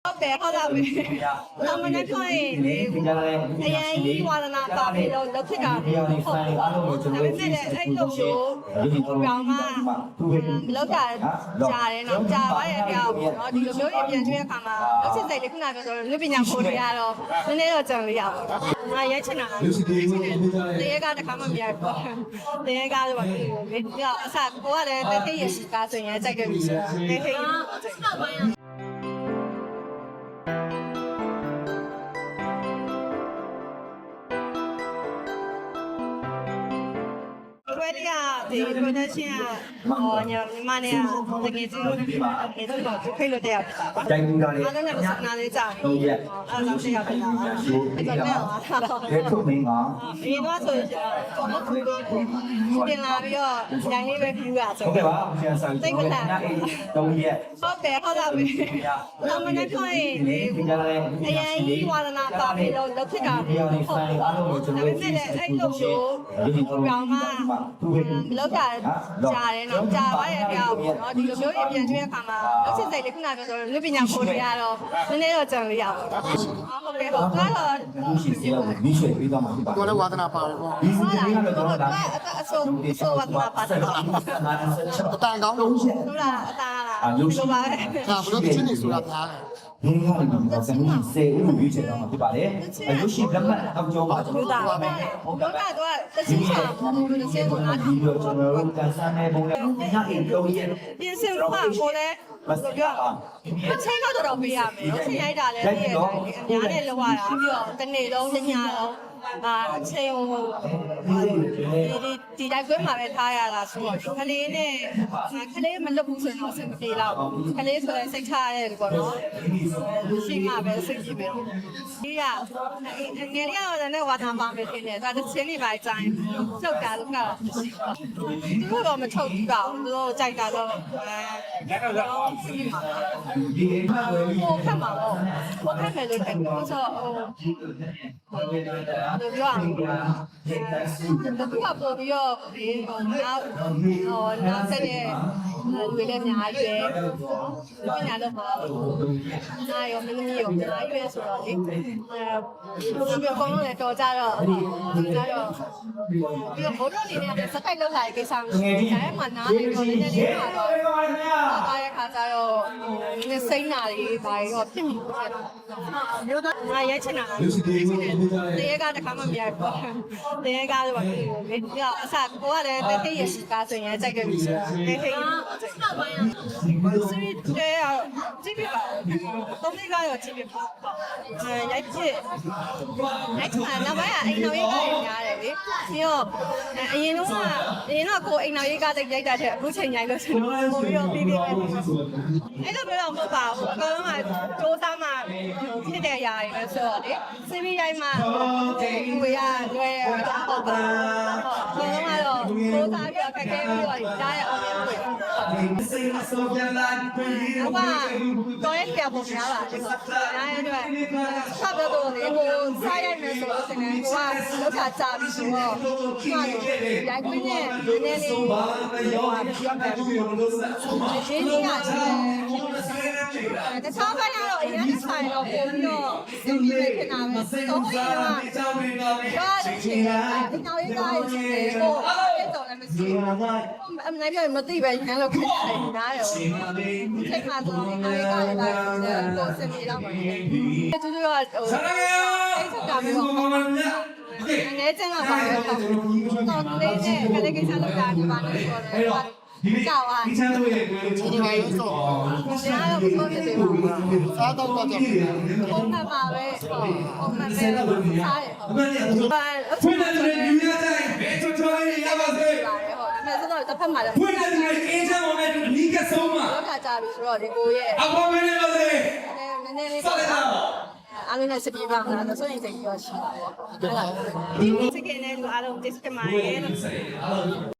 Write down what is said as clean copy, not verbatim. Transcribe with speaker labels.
Speaker 1: ဟုတ်တယ်ဟုတ်လားပဲ။အမနဲ့ခေါ်ရင်အရင်ဝါဒနာပါပြီးတော့လုပ်ဖြစ်တာဟုတ်။ဒါပေမဲ့လည်းအဲ့လိုမျိုးကောင်မလောက်တာကြားတယ်နော်ကြားပါရဲ့ပြောင်းနော်ဒီလိုမျိုးပြန်ကျွေးတဲ့အခါမှာလုပ်စစ်စိတ်လေးခုနကပြောဆိုလူပညာကိုတွေကတော့နည်းနည်းတော့ကြံလို့ရပါဘူး။ငါရဲချင်တာတရေကတခါမှမရဘူး။တရေကားတော့ဒီလိုအစကိုကလည်းတတိယရှိကားဆိုရင်ကြိုက်တယ်ပြီဆိုတော့တတိယဝယ်ရဒီ production ညီမနဲ့တကယ်ကြီးအဲ့တော့ဖိတ်လို့တရားဖြစ်တာပါ။တိုင်းကားလေးအားလုံးနဲ့ပတ်နာလေးကြာပြီ။အားလုံးရှိရပါလား။အဲ့တော့လည်းထုတ်မင်းကဒီတော့ဆိုရင်ပြင်လာပြီးတော့ရိုင်းလေးပဲပြူရဆို။ဟုတ်ကဲ့ပါဆရာဆောင်တိတ်မလာ။3ရက်ဟုတ်တယ်ဟုတ်လားပဲ။အမနဲ့ခေါ်ရင်အရင်ဝါဒနာပါပြီးတော့လုပ်ဖြစ်တာဟုတ်။ဒါပေမဲ့လည်းအဲ့လိုမျိုးကောင်မလောက်တာကြားတယ်နော်ကြားပါရဲ့ပြောင်းနော်ဒီလိုမျိုးပြန်ကျွေးတဲ့အခါမှာလုပ်စစ်စိတ်လေးခုနကပြောဆိုလူပညာကိုတွေကတော့နည်းနည်းတော့ကြံလို့ရပါဘူးဟုတ်ကဲ့ဟုတ်ကတော့
Speaker 2: ရှိစေတော့မိရွှေပေးသွားမှာဖြစ်ပါတယ်
Speaker 3: တော်လည်းဝါသနာပါတယ်ပေါ့
Speaker 2: ဒီစီးလေးကတော့ဒါ
Speaker 1: အဆိုဝါဒနာပါတယ်
Speaker 3: အတန်ကောင်းလို့
Speaker 1: ဟုတ်လားအသားလားရုပ်ရှိပါ
Speaker 3: ဒါဘလို့ချင်းနေဆိုတာသားတယ်
Speaker 2: ဒီကနေ့တော့စနေစေဦးရွေးချယ်တော့မှာဖြစ်ပါတယ်။ရုပ်ရှင်လက်မှတ်အောက်ကျောင်းပါကျွန်တော်တို့ပါမယ်
Speaker 1: ။ဟုတ်တော့တချင်ချာဘူးလို့စေကိုနား
Speaker 2: ဒီလိုကျွန်တော်တို့ကန်ဆန်းတဲ့ပုံနဲ့ညအိမ်လုံးရဲ့
Speaker 1: ပြင်စင်ကကိုလည်း
Speaker 2: မစပြော
Speaker 1: အချိန်တော့ပေးရမယ်။အချိန်ရိုက်တာလည်းအများနဲ့လောက်ရတာပြီးတော့တနေ့လုံးညညလုံးအချိန်ဒီတိုင်းကွင်းမှာပဲထားရတာဆိုတော့ခလေးနဲ့ခလေးမလွတ်ဘူးဆိုတော့စိတ်မပြေတော့ခလေးဆိုရင်စိတ်ချရတယ်ပေါ့နော်ရှိမှပဲစိတ်ကြည့်မယ်ဒီကငယ်ရတော့လည်းဝါသံပါမယ်ခင်ဗျာဒါတစ်ချင်းလေးပါကြိုင်းထုတ်တာလို့ကတော့မရှိဘူးသူတို့တော့မထုတ်ဘူးတော့သူတို့ကြိုက်တာတော့ဟိုခက်မှာပေါ့ဟိုခက်မယ်လို့ပြောဆိုတော့ပြောရအောင်တော့ပေါ်ပြီးတော့နောက်ဆက်တဲ့လူတွေလည်းအများကြီးပဲပညာတော့ပါအားရောမင်းကြီးရောအများကြီးပဲဆိုတော့လေပြောကောင်းလို့လည်းတော်ကြတော့ပြီးတော့ဘိုးတို့အနေနဲ့စတိုက်လောက်လာတဲ့ကိစ္စမျိုးဒါမှနားနေတော့လည်းနည်းပါတော့အားရခါကြတော့စိတ်နာတွေဘာတွေတော့ဖြစ်မိတယ်မျိုးတော့ငါရဲချင်တာတရေကတခါမှမရဘူးတရေကားတော့ဒီလိုပြီးတော့အစကိုကလည်းတတိယရှိကားဆိုရင်ကြိုက်တယ်ပြီဆိုတော့တတိယစီးတဲ့ကြည့်ပြပါသုံးလေးကားရောကြည့်ပြပါရိုက်ဖြစ်အဲ့ဒါနောက်ပိုင်းအိမ်တော်ရေးကားတွေများတယ်လေပြီးတော့အရင်တော့ကိုအိမ်တော်ရေးကားရိုက်တာတဲ့အခုချိန်ရိုက်လို့ဆိုတော့ပို့ပြီးတော့ပြီးပဲအဲ့လိုမျိုးတော့မဟုတ်ပါဘူးအကောင်လုံးကတိုးသားမှဖြစ်တဲ့အရာတွေပဲဆိုတော့လေစီးပြီးရိုက်မှကိုရလွယ်ဟုတ်ပါဘူးအကောင်လုံးကတော့တိုးသားပြီးတော့ခက်ခဲပြီးတော့ဒါရဲ့အောင်မြင်မှုတွေတော့ရဲ့ပြပုံများပါဒီကတော့အတွက်ဆက်တော့တော့လေကိုစားရိုက်မယ်ဆိုတော့စနေကလောက်တာကြာပြီဆိုတော့ရိုက်ခွင့်နဲ့နည်းနည်းလေးရောပါပြောမယ်ဒီနေ့ကတခြားဘက်ကတော့အရင်ကဆိုင်တော့ပုံပြီးတော့စီးပြီးဖြစ်နေတာပဲတော့ဟိုကဒါချင်တာဒီနောက်ရေးသားရေးကိုအဲ့တော့လည်းမရှိဘူးအမနိုင်ပြမသိပဲရန်လို့ခက်တယ်နားရောစိတ်မှတော့ဒီနောက်ရေးသားရေးကိုစင်ပြေတော့ပါတယ်တူတူကဟိုအဲ့ဒါမျိုးပေါ့ငယ်ချင်းကပါတော့တော့လေးနဲ့ကလေးကိစ္စလုပ်တာဒီပါနေဆိုတော့ကြောက်အား
Speaker 3: ဒီချမ်းတို့ရဲ့ဒီမှာရုပ်စော
Speaker 1: ဆရာတို့ပြောပြသေးပါဘူး
Speaker 3: စားတော့တော့
Speaker 1: ပုံမှန်ပါပဲပုံမှန်ပဲစားရဟုတ်
Speaker 4: ဖွင့်တဲ့လူရတိုင်းဘယ်ချောချောလေးရပါစေ
Speaker 1: ဒါပေမဲ့ဆိုတော့တစ်ဖက်မှာလည်း
Speaker 4: ဖွင့်တဲ့လူအေးချမ်းမောင်နဲ့နီးကဆုံးမှာ
Speaker 1: လောက်ခါကြပြီဆိုတော့ဒီကိုရဲ့
Speaker 4: အပေါ်မင်းလေးပါစေ
Speaker 1: နည်းနည်းလေးဆက်လိုက်ပါအားလုံးနဲ့စပြေးပါမလားဆိုရင်စိတ်ပြောရှိပါပေါ့ဒီစကင်းနဲ့လူအားလုံး disconnect ရဲ့